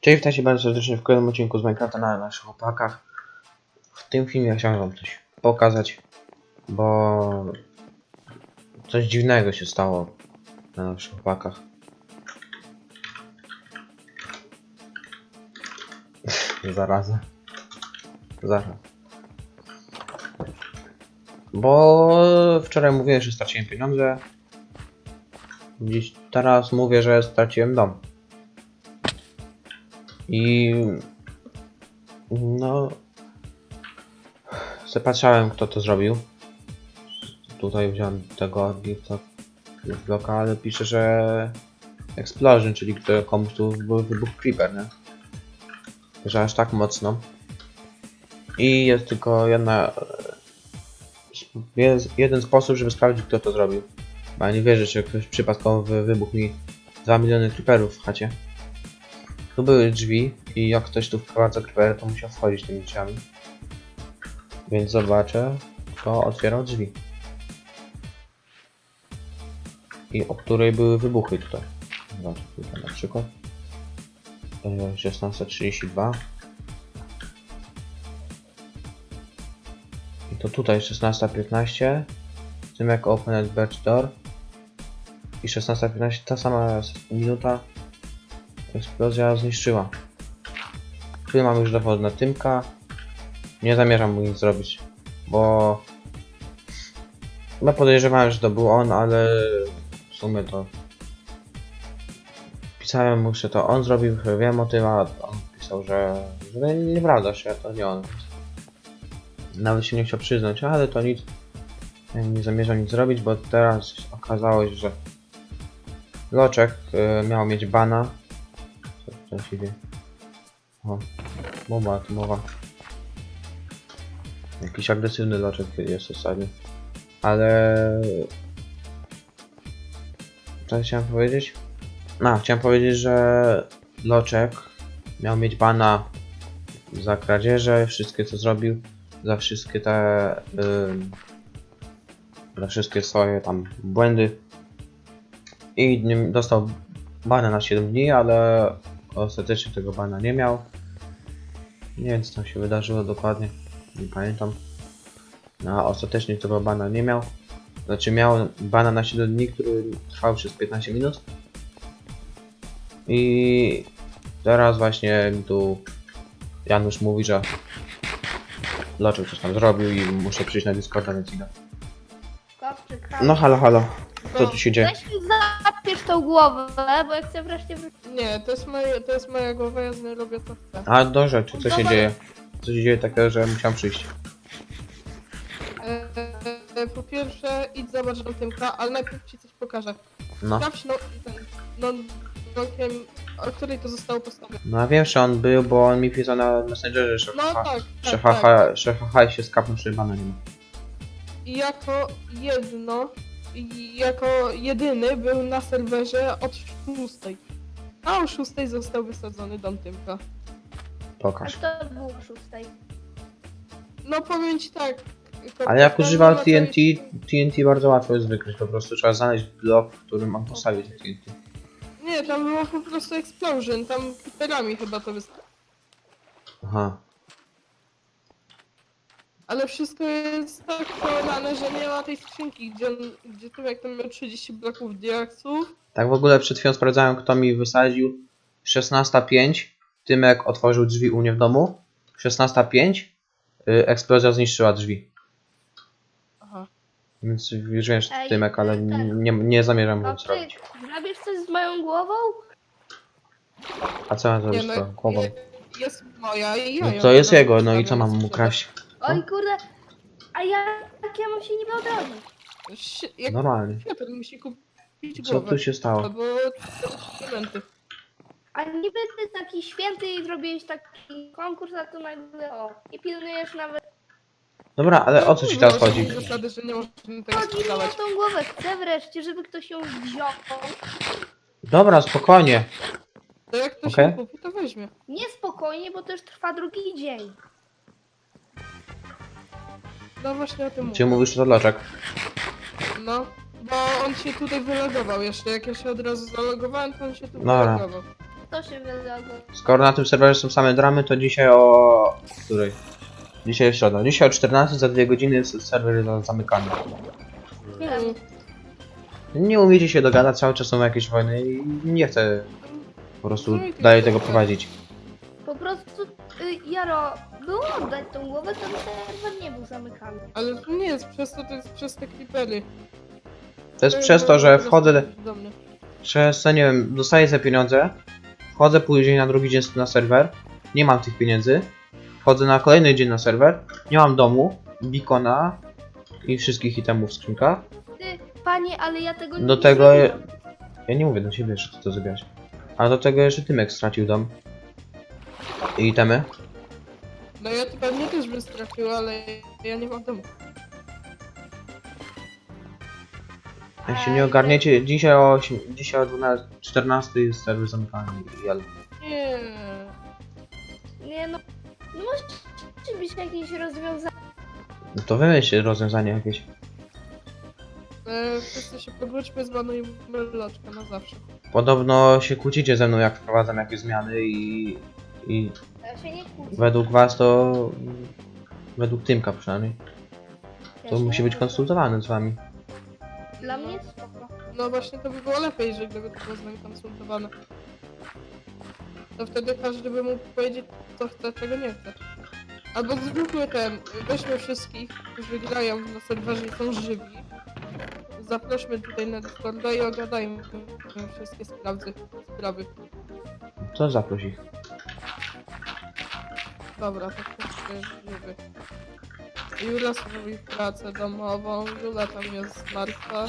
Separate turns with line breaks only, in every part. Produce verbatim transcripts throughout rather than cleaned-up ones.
Cześć, witajcie bardzo serdecznie w kolejnym odcinku z Minecrafta na naszych opakach. W tym filmie chciałem wam coś pokazać, bo coś dziwnego się stało na naszych opakach. Zaraza. Zaraz. Bo wczoraj mówiłem, że straciłem pieniądze. Dziś teraz mówię, że straciłem dom. I no zapatrzałem, kto to zrobił. Tutaj wziąłem tego bloka, ale pisze, że explosion, czyli że komuś tu wybuchł creeper, nie? Że aż tak mocno. I jest tylko jedna jest jeden sposób, żeby sprawdzić, kto to zrobił. Bo ja nie wierzę, że ktoś przypadkowo wybuchł mi dwa miliony creeperów w chacie. Tu były drzwi i jak ktoś tu wprowadza creeper, to musiał wchodzić tymi drzwiami. Więc zobaczę, kto otwierał drzwi. I o której były wybuchy tutaj. Zobaczę tutaj na przykład. szesnasta trzydzieści dwa. I to tutaj szesnasta piętnaście. Tym jak open batch door. I szesnasta piętnaście, ta sama minuta. Eksplozja zniszczyła. Tu mam już dowód na Tymka. Nie zamierzam mu nic zrobić, bo chyba podejrzewałem, że to był on, ale w sumie to pisałem mu, że to on zrobił, że wiem o tym, a on pisał, że, że nieprawda, że to nie on. Nawet się nie chciał przyznać, ale to nic. Ja nie zamierzam nic zrobić, bo teraz okazało się, że Loczek y, miał mieć bana. Co, co się dzieje? O, bomba atomowa. Jakiś agresywny Loczek jest ostatnio. Ale co chciałem powiedzieć? No, chciałem powiedzieć, że Loczek miał mieć bana za kradzieże, wszystkie co zrobił, za wszystkie te yy, za wszystkie swoje tam błędy. I dostał bana na siedem dni, ale ostatecznie tego bana nie miał. Nie wiem, co tam się wydarzyło dokładnie, nie pamiętam. No, a ostatecznie tego bana nie miał. Znaczy miał bana na siedem dni, który trwał przez piętnaście minut. I teraz właśnie tu Janusz mówi, że Loczek coś tam zrobił i muszę przyjść na Discorda, więc idę. No halo, halo. Co tu się dzieje?
Weź mi zapiesz tą głowę, bo ja chcę wreszcie wrócić.
Nie, to jest, moje, to jest moja głowa, ja z niej robię to chcę.
A do rzeczy, co się dzieje? Co się dzieje takiego, że musiałem przyjść?
E, e, po pierwsze, idź zobacz na Tymka, ale najpierw ci coś pokażę.
No.
Sprawdź no, ten, no, blokiem, o której to zostało postawione.
No ja wiem, że on był, bo on mi pisał na Messengerze, że
No
haha,
tak,
że
tak,
haha,
tak.
że haha się skapnął, że bana nie ma.
I jako jedno, i jako jedyny był na serwerze od szóstej. A o szóstej został wysadzony dom Tymka.
A
Pokaż.
to było o szóstej.
No powiem ci tak.
Ale jak
ten
używał
na
T N T,
całej-
T N T bardzo łatwo jest wykryć, po prostu trzeba znaleźć blok, w którym on postawił T N T.
Nie, tam było po prostu explosion, tam creeperami chyba to wysadzone.
Aha.
Ale wszystko jest tak połamane, że nie ma tej skrzynki, gdzie, on, gdzie tu jak tam miał trzydzieści bloków diaksów.
Tak w ogóle przed chwilą sprawdzałem, kto mi wysadził. szesnasta pięć, Tymek otworzył drzwi u mnie w domu. szesnasta pięć, yy, eksplozja zniszczyła drzwi.
Aha.
Więc już wiem, że to
Ej,
Tymek, ale
tak.
nie, nie, nie zamierzam
A
nic
ty
zrobić.
zrobisz coś z moją głową?
A co mam
Nie
zrobić z
no,
tą głową?
je, jest moja i ja
No
ją
to jest
tam
jego, no i co
zostawiam
mam mu
sprzedać.
kraść?
Oj kurde, a ja jak ja mam się niby odrodzić?
Si- Jak
Normalnie.
Piotr musi kupić
Co
głowę.
tu się stało?
Albo elementy.
A niby ty taki święty i zrobiłeś taki konkurs, a tu nagle o, nie pilnujesz nawet.
Dobra, ale o co ci teraz chodzi?
Zasady, że nie możemy tego
Chodzi mi o
sprzedawać.
tą głowę, chcę wreszcie, żeby ktoś ją wziął.
Dobra, spokojnie.
To jak ktoś
Okej.
ją kupi, to weźmie.
Niespokojnie, bo to już trwa drugi dzień.
No właśnie o tym
Czy
mówię.
mówisz, że to Loczek?
No, bo on się tutaj wylogował jeszcze. Jak ja się od razu zalogowałem, to on się tu
Dobra.
wylogował.
To się wydało.
Skoro na tym serwerze są same dramy, to dzisiaj o... której? Dzisiaj jest środa. Dzisiaj o czternastej za dwie godziny jest serwer za- zamykany.
Mm.
Nie umiecie się dogadać, cały czas są jakieś wojny i nie chcę po prostu
No i ty-
dalej tego prowadzić.
Po prostu, y, Jaro, było oddać tą głowę, to serwer nie był zamykany.
Ale to nie jest przez to, to jest przez te creepery.
To jest przez to, że wchodzę,
do mnie.
przez, nie wiem, dostaję te pieniądze, wchodzę później na drugi dzień na serwer, nie mam tych pieniędzy, wchodzę na kolejny dzień na serwer, nie mam domu, beacona i wszystkich itemów w skrzynkach.
Ty, panie, ale ja tego nie
Do tego,
zrobiłam.
ja nie mówię do siebie, że ty to zrobiłaś. Ale do tego jeszcze Tymek stracił dom. I itemy.
No ja to pewnie też bym stracił, ale ja nie mam domu.
Jak się nie ogarniecie, dzisiaj o, osiem- dzisiaj o dwunastej, czternastej jest serwer zamykany. Ja,
Nie.
Nie no, no musi być jakieś rozwiązanie.
no to wymyśl rozwiązanie jakieś.
E, wszyscy się pogódźmy, zbanujmy loczkę na zawsze.
Podobno się kłócicie ze mną, jak wprowadzam jakieś zmiany i... i
Ja się nie kłócę.
według was to... według Tymka przynajmniej.
Ja
To
się
musi
nie
być
kłócę.
konsultowane z wami.
Dla mnie spoko.
No właśnie to by było lepiej, że gdyby to było z nami konsultowane. To wtedy każdy by mógł powiedzieć, co chce, czego nie chce. Albo zróbmy ten, weźmy wszystkich, którzy grają na serwerze i są żywi. Zaprośmy tutaj na Discorda i ogadajmy wszystkie sprawy. sprawy.
To zaproś ich.
Dobra, to ktoś jest żywy. Jula robi pracę domową, Jula tam jest martwa.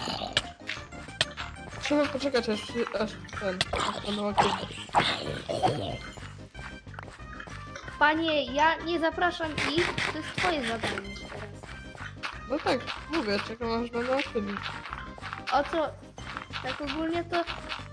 Trzeba poczekać aż, aż ten, aż będą aktywni.
Panie, ja nie zapraszam ich, to jest twoje zadanie teraz.
No tak, mówię, czekam aż będą aktywni.
O co? Tak ogólnie to...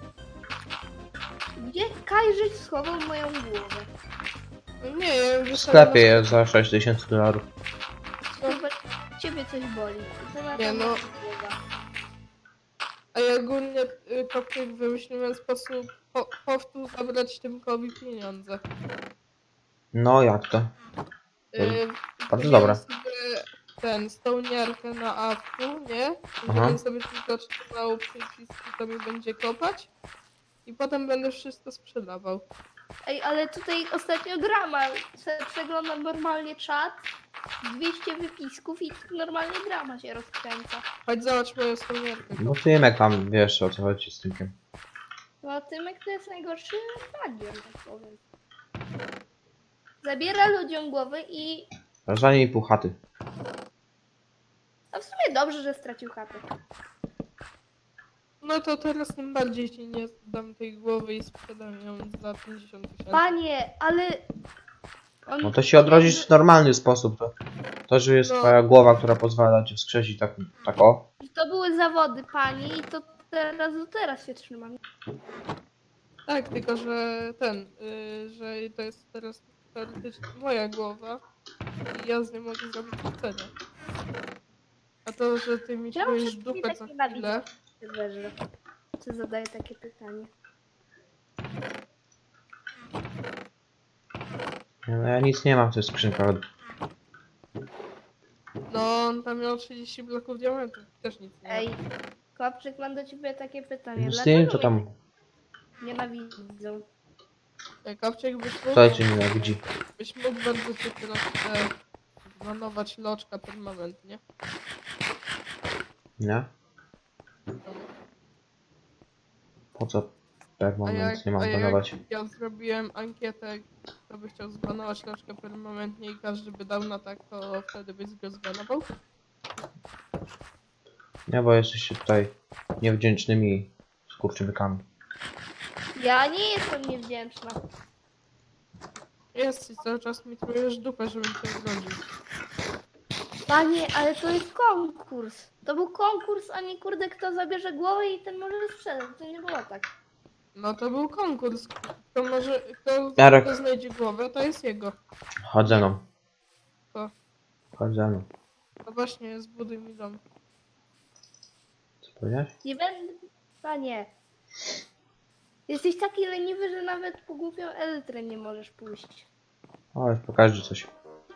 Gdzie Kajżyć schował moją głowę?
Nie, ja już
W sklepie jest za sześć tysięcy dolarów.
Chyba ciebie coś boli. To na
Nie,
pewno
no.
głowa.
A ja ogólnie y, Kopczyk wymyśliłem sposób po, powtórz zabrać Tymkowi pieniądze.
No jak to?
Y,
bardzo
kupiłem
dobra.
sobie ten, stołniarkę na awku, nie?
Aha.
Żebym sobie tylko czytał przyciski, to mi będzie kopać. I potem będę wszystko sprzedawał.
Ej, ale tutaj ostatnio grama. Se- Przeglądam normalnie czat. dwieście wypisków i normalnie grama się rozkręca.
Chodź zobacz moją stołniarkę.
Bo Tymek tam wiesz o co chodzi z Tymkiem.
No Tymek to jest najgorszy bagier, tak powiem. Zabiera ludziom głowy i...
Rozwanie i pół chaty.
A w sumie dobrze, że stracił chatę.
No to teraz tym bardziej ci nie dam tej głowy i sprzedam ją za pięćdziesiąt tysięcy.
Panie, ale... On...
No to się odrodzisz w normalny sposób. To, to że jest
No.
twoja głowa, która pozwala ci wskrzesić tak, tak o.
To były zawody, pani, i to teraz do teraz się trzymam.
Tak, tylko że ten, y, że to jest teraz teoretycznie moja głowa i ja z nią mogę zrobić co chcę. nie? A to, że ty mi
Czemu
czujesz
wszyscy
dupę
tak
co
nienawidzą?
chwilę,
Serwerze. Co zadaję takie pytanie?
No ja nic nie mam w tych skrzynkach.
no on tam miał trzydzieści bloków diamentów, też nic nie ma.
Ej, Kopczyk, mam do ciebie takie pytanie.
Z tym
Dlaczego
to tam.
mnie nienawidzą?
Ej, Kapciek, byś mógł,
Kto cię nienawidzi?
byś mógł bardzo cię proszę zbanować loczka permanentnie.
Nie? Po co per
A
moment
jak,
nie mam
a jak
banować?
ja zrobiłem ankietę, kto by chciał zbanować loczkę permanentnie i każdy by dał na tak, to wtedy byś go zbanował?
Nie, bo jesteście tutaj niewdzięcznymi skurczybykami.
Ja nie jestem niewdzięczna.
Jest i cały czas mi trujesz dupę, żebym cię zgodził.
Panie, ale to jest konkurs. To był konkurs, a nie kurde kto zabierze głowę i ten może sprzedać. To nie było tak.
No to był konkurs. Kto może, kto,
Jarek.
kto znajdzie głowę, to jest jego.
Chodź ze mną.
Co?
Chodź ze mną.
No właśnie, zbuduj mi dom.
Co powiedziałeś?
Nie będę... Panie. Jesteś taki leniwy, że nawet po głupią elytrę nie możesz pójść.
O, pokażę coś.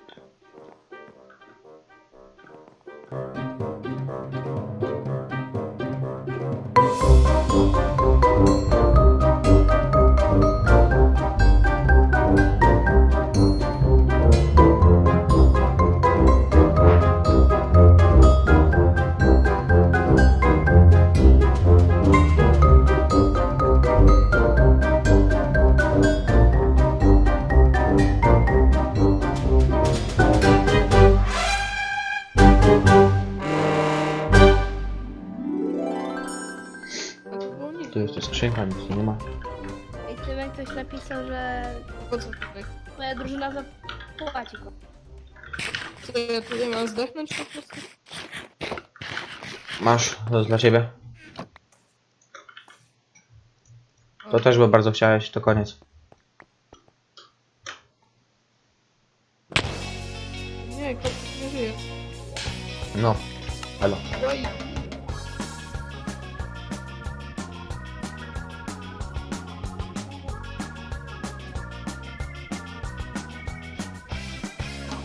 A to było nic.
Tu jest tu skrzynka, nic tu nie ma.
I Tymek ktoś napisał, że
Po co tutaj?
twoja drużyna zapłaci go.
Co ja tu nie mam zdechnąć po prostu?
Masz, to jest dla ciebie. To
O,
też, bo bardzo chciałeś, to koniec.
Nie, kot nie żyje.
No, elo.
Oj,